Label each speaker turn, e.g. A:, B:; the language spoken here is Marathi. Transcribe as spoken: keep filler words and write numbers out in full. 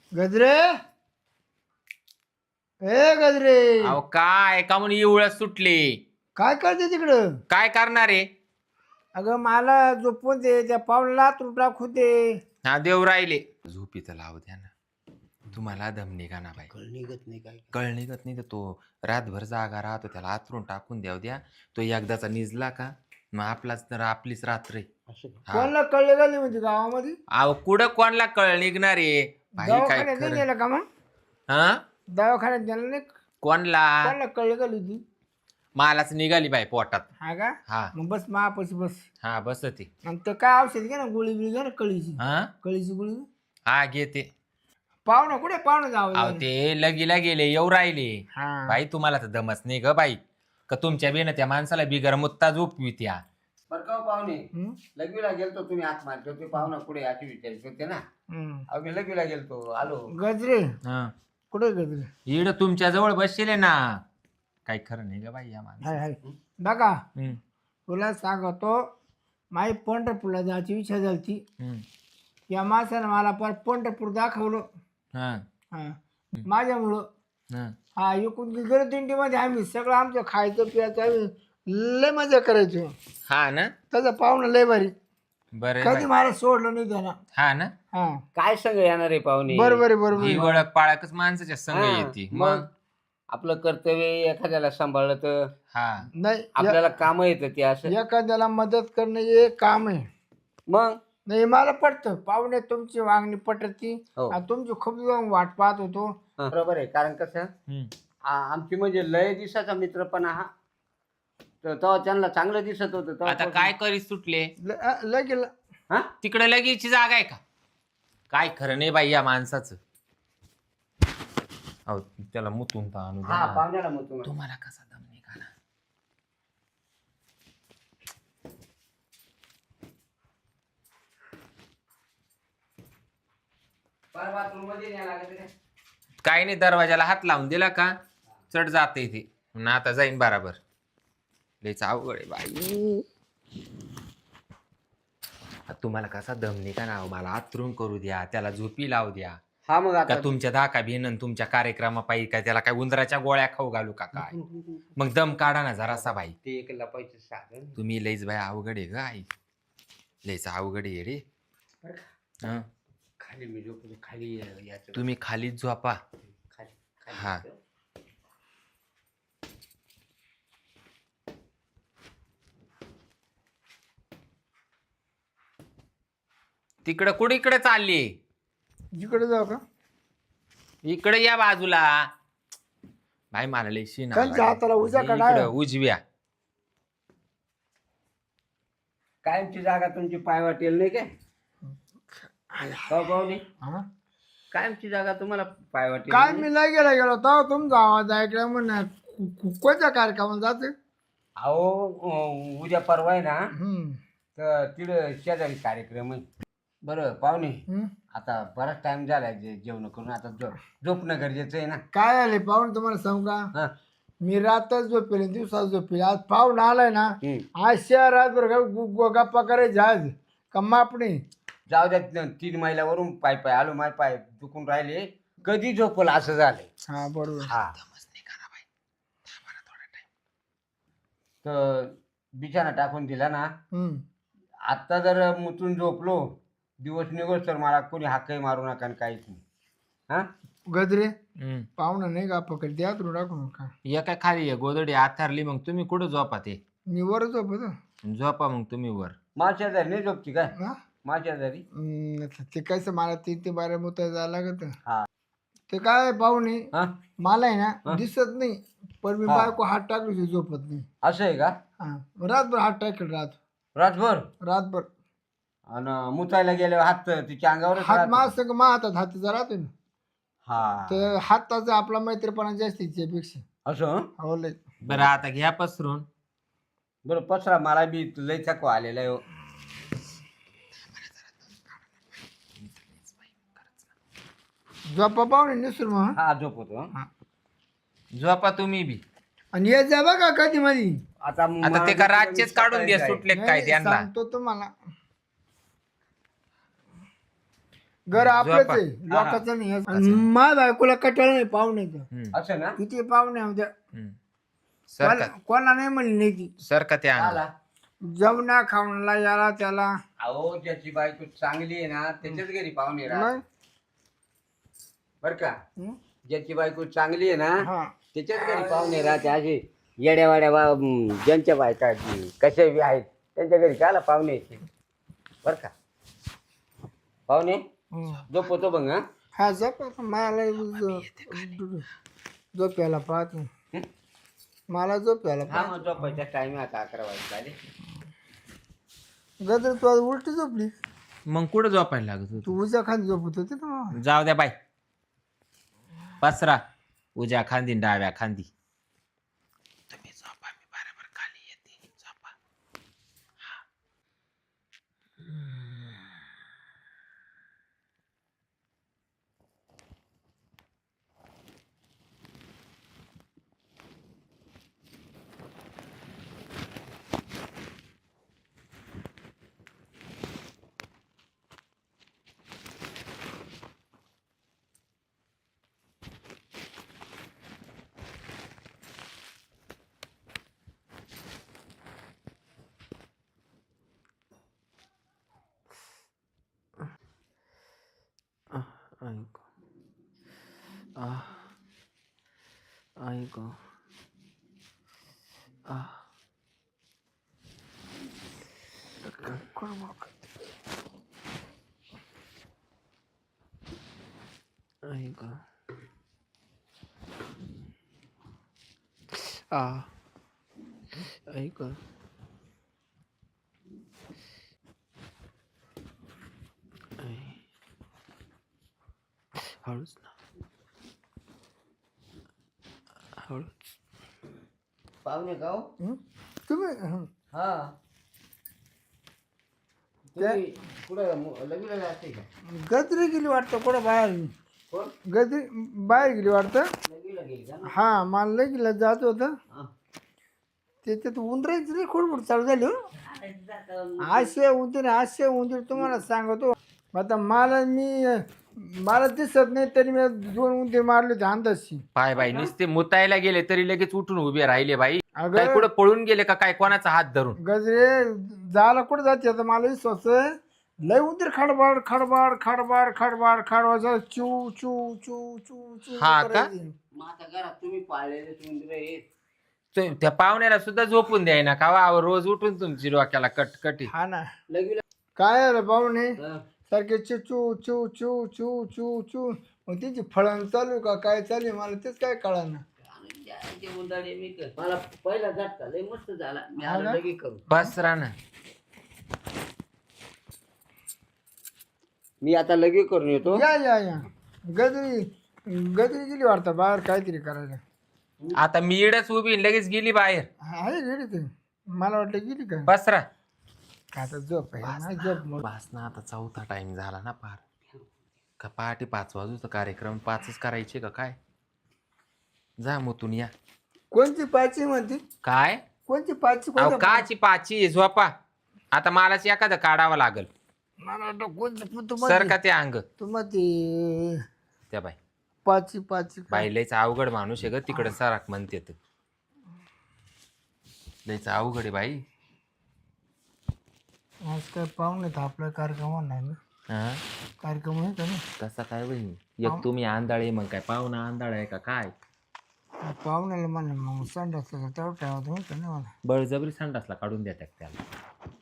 A: गजरे ए गजरे
B: अहो काय का म्हणून एवढ्यात सुटले?
A: काय करते तिकडं?
B: काय करणार आहे?
A: अगं मला झोपून दे, त्या पावला तुला टाकू दे.
B: हा देव राहिले. झोपीचं लावू द्या ना. तुम्हाला दम निघा ना बाई.
A: कळ निघत नाही काय.
B: कळ निघत नाही तर तो रातभर जागा राहतो, त्याला आतरून टाकून द्याव द्या. तो एकदाचा निजला का मग आपलाच तर आपलीच रात्र आहे. हा.
A: कोणाला कळले गेले म्हणजे गावामध्ये?
B: अहो कुठं कोणला कळ निघणार आहे भाई? काय
A: दवाखान्यात नाही
B: खरं?
A: नेलं का मग?
B: हा
A: दवाखान्यात नेलं नाही?
B: कोणला?
A: कोणाला कळले गेली होती?
B: मालाच निघाली बाई पोटात.
A: हा का?
B: हा
A: मग बस महापाशी बस.
B: हा बस ती.
A: आणि ते काय औषध घे ना, गोळी बिळी घे ना, कळीची
B: हा
A: कळीची गोळी.
B: हा घेते.
A: पाहुणा कुठे पाहुणा
B: अहो
A: जावं?
B: ते लगीला गेले येऊ राहिले.
A: हा
B: बाई तुम्हाला तर दमच नाही ग बाई, का तुमच्या बेन त्या माणसाला बिगर मुत्ता झोपवी त्या.
C: बरं का हो पाहुणे,
A: हम्म?
C: लगवीला गेलतो तुम्ही हात मारतो ते पाहुणा पुढे याची विचारित होते ना.
A: हम्म.
C: अहो मी लगवीला गेलतो आलो.
A: गजरे
B: हा
A: कुठे गजरे?
B: इड तुमच्या जवळ बसले ना. काही खरं नाही ग बाई या माणसा.
A: हाय हाय बघा,
B: हम्म,
A: तुला सांगतो, माई पंढरपूरला जायची इच्छा झाली.
B: हम्म,
A: या माणसानं मला पर पंढरपूर दाखवलं.
B: हा,
A: हा माझ्यामुळं.
B: हा.
A: हा एकूण दिंडीमध्ये आम्ही सगळं आमचं खायचं प्यायचं आम्ही लय मजा करायचो.
B: हा ना
A: त्याचा पाहुणा लय भारी.
B: बरं
A: कधी
B: बाई.
A: मला सोडलं नाही त्याला.
B: हा ना
A: हा
C: काय संग येणार आहे पाहुणे?
A: बरोबर आहे
B: ही
A: बरोबर.
B: ओळख पाळकच माणसाच्या संग
C: हा,
B: येते
C: मग
B: मग.
C: आपलं कर्तव्य एखाद्याला सांभाळलं तर
B: हा
A: नाही
C: आपल्याला काम येतं ते असं.
A: एखाद्याला मदत करणं हे काम आहे.
C: मग
A: नाही मला पटतं, पाहुणे तुमची वागणी पटती.
C: हो.
A: आणि तुमची खूप दिवस वाट पाहत होतो.
C: हा, बरोबर आहे. कारण कसं
B: हम्म.
C: आ- आमची म्हणजे लय दिवसाचा मित्रपणा हा, तर तेव्हा त्यांना चांगलं दिसत होतं तेव्हा
B: आता काय करीत सुटले?
A: ल- लगेच
C: हा
B: तिकडे लगेची जागा आहे का? काय खरं नाही बाई या माणसाचं. अहो त्याला मुतून तर आणू द्या
C: हा
B: ना.
C: पाहुण्याला मग तुम्हाला
B: तुम्हाला कसा दम निघाला?
C: बाथरूम मध्ये न्यायला लागत आहे.
B: काही नाही, दरवाजाला हात लावून दिला का चढ जाते इथे. ना आता जाईन बराबर. लयच अवघड आहे बाई. तुम्हाला कसा दम निघा ना. मला आतरून करू द्या, त्याला झोपी लावू द्या.
C: हा मग
B: का
C: आता
B: तुमच्या दाका भिनन तुमच्या कार्यक्रमापायी काय त्याला काय उंदराच्या गोळ्या खाऊ घालू का काय? मग दम काढा ना जरासा बाई.
C: ते एक लपायचं साधन.
B: तुम्ही लईच बाई अवघड आहे ग आई. लईच अवघड आहे रे.
C: बरं का?
B: हं.
C: खाली मी झोपलो खाली याचं
B: तुम्ही खालीच झोपा.
C: खाली खाली
B: हा.
C: याचं.
B: तिकडं कुठे इकडे चालली?
A: जिकडे जाऊ का?
B: इकडे या बाजूला. भाई मला लई शीन आला.
A: खालच्या हाताला उजव्या का डाव्या?
B: इकडं उजव्या.
C: कायमची जागा तुमची पाय वाटेल नाही काय? हो पाहुणे,
A: हा?
C: कायमची जागा तुम्हाला पाय वाटेल
A: काय
C: नाही?
A: मी नाही गेला गेलो तेव्हा तुमचा आवाज ऐकला म्हणून कोणत्या कार्यक्रमाला जाते?
C: अहो अं, उद्या परवा आहे ना,
A: हम्म.
C: तर तिथं शेजारी कार्यक्रम आहे. बरं पाहुणे,
A: हम्म.
C: आता बराच टाइम झालाय जे- जेवण करून आता झो झोपणं गरजेचं आहे ना.
A: काय आले पाहून तुम्हाला सांगू का?
C: हा
A: मी रातच झोपेल दिवसात झोपेल. आज पाहून आलाय ना,
C: हम्म.
A: आज शहरात बरं का गु- गु- गप्पा करायचे आज का मापणे.
C: जाऊ द्या, न- तीन मैलावरून पाय पाय आलो, माय पाय दुखून राहिले, कधी झोपल असं झालंय.
A: हा बरोबर.
C: हा
B: दमच निघा ना बाई. थांबा ना थोडा time.
C: तर बिछाना टाकून दिला ना.
A: हम्म.
C: आत्ता जर मुतून झोपलो दिवस निघोस तर मला कोणी हाकही मारू नका आणि काहीच नाही. हा
A: गजरे
B: हम्म.
A: पाहुणा नाही का पकड द्या तुला टाकू नका.
B: या काय खाली आहे गोदडी आथारली. मग तुम्ही कुठं झोपा? ते
A: मी वर झोपतो.
B: झोपा मग तुम्ही वर.
C: माझ्या शेजारी नाही झोपती काय?
A: हा?
C: माझ्या शेजारी
A: हम्म, ते कसं मला तीन ते बारा मुता जायला लागत.
C: हा
A: ते काय पाहुणे
C: हा
A: मला आहे ना
C: हा?
A: दिसत नाही, पण मी
C: हा.
A: बायको हात टाकली झोपत नाही.
C: असं आहे का?
A: हा रातभर हात टाकेल रात
C: रातभर
A: रातभर
C: आणि मुतायला गेल्यावर हात तिच्या अंगावरच
A: हात
C: राहतो.
A: मा सगळं मा हातात हातीचा राहतो ना.
C: हा
A: तर हाताचा आपला मैत्रीपणा जास्त पेक्षा.
C: असं हं?
A: हो लय.
B: बरं आता घ्या पसरून.
C: बरं पसरा, मला बी लय थकवा आलेला आहे हो.
A: झोपा पाहुणे निसूर मग.
C: हा झोपतो हं.
B: झोपा तुम्ही बी.
A: आणि येत जा बघा कधी मधी.
C: आता
B: आता ते का रातचेच काढून द्या सुटले काय
A: नाही,
B: त्यांना?
A: सांगतो तुम्हाला. घर आपलंच
B: झोपा.
A: आहे लोकांचं नाही आणि माझ्या बायकोला कटाळ नाही पाहुण्याचं
B: हम्म,
C: असं ना
A: किती पाहुणे होत्या
B: हम्म. सर का
A: कोणा- कोणाला नाही म्हणली नाही ती
B: सर का त्या अंग
C: आला
A: जेवणा खावणाला याला त्याला
C: अहो ज्याची बायको चांगली आहे ना त्याच्याच घरी पाहुणे राहत
A: मग
C: बर का
A: हं?
C: ज्याची बायको चांगली आहे ना
A: हा
C: त्याच्याच घरी पाहुणे राहते असे येड्यावाड्या बा म, ज्यांच्या बायका आहेत, कशा बी आहेत त्यांच्या घरी काला पाहुणे येते बर का पाहुणे
A: हं.
C: झोपतो बघ हा
A: हा झोप मला झोप यायला पाहत नाही.
C: हं?
A: मला झोप यायला
C: हा
A: पाहत
C: मग झोपायचा टाइम आता अकरा वाजता आले
A: गदर तू आज उलटी झोपली
B: मग कुठं झोपायला लागत होत
A: तू उजा खाली झोपत होती ना
B: जाऊ द्या बाय पसरा उज्या खांदी न डाव्या खांदी तुम्ही झोपा मी बरोबर खाली येते झोपा ऐक ऐक ऐक आ ऐक हळूच ना हळूच
C: पाहुणे का हो?
A: हं? तुम्ही हं.
C: हा तुम्ही कुठं मु- लग्नाला जाते का
A: गजरी गेली वाटतं कुठं बाहेर
C: कोण
A: गजरी बाहेर गेली वाटतं
C: लग्नाला गेली का
A: हा मला लगेला जात होतं
C: हा.
A: त्याच्यात उंदरायची लई खोडबोड चालू झाली हो आशे उंदीर आशे उंदीर तुम्हाला सांगतो आता मला मी मला दिसत नाही तरी मी दोन उंदीर मारले होते अंदाजशी
B: पाय बाई नुसते मुतायला गेले तरी लगेच उठून उभे राहिले बाई काय
A: अगं
B: कुठं पळून गेले का काय कोणाचा हात धरून
A: गजरे जायला कुठं जाते आता मला विश्वास आहे. लय उंदीर खडबाड खडबाड खडबाड खडबाड खडबाड चू चू चू चू चू
B: हा का?
A: करायची.
C: मग आता घरात तुम्ही पाळलेले उंदीर आहेत
B: ते- त्या पाहुण्याला सुद्धा झोपून द्याय ना का वा, रोज उठून तुमची डोक्याला कटकटी
A: हा ना
C: लग्नाला
A: काय आलं पाहुणे
C: हा.
A: सारखे चू चू चू चू चू चू चू मग तिची फळण चालू का काय चालू आहे मला तेच काय कळा ना
C: आणि ज्याचे उंदाडे मी कर- मला पहिला झटका लय मस्त झाला मी
A: हा
C: आलो
A: ना?
C: लगेच करू
B: बस ना
C: मी आता लगेच करून येतो
A: या या या गजरी गजरी गेली वाटतं बाहेर काहीतरी करायला
B: आता मी इडच उभी आणि लगेच गेली बाहेर
A: आहे गेली ते मला वाटलं गेली का
B: बसरा
A: का आता झोप आहे नाही झोप मग
B: बस ना आता चौथा टाइम झाला ना पार का पहाटे पाच वाजूचा कार्यक्रम पाचच करायचे का काय जा मुतून या
A: कोणती पाची म्हणते
B: काय
A: कोणती पाची
B: अहो
A: कोणत्या
B: काची पाची झोपा आता मलाच एखादं काढावं लागल
A: मला वाटलं कोणतं तू
B: सर का ते अंग
A: तू मग ते
B: त्या बाई
A: पाची पाची
B: बाई लयच अवघड माणूस आहे ग तिकडे सराक म्हणते तर. लयच अवघड आहे बाई
A: आज काय पाहुणे तर आपला कार्यक्रम नाही ना
B: हा
A: कार्यक्रम आहे का ना
B: तसा काय बहीण एक तुम्ही आंधळे मग काय पाहुणा आंधळा आहे का काय
A: पाहुण्याला म्हणलं मग संडास तेवढं ठेवत होतं नाही मला
B: बळजबरी संडासला काढून द्या त्याला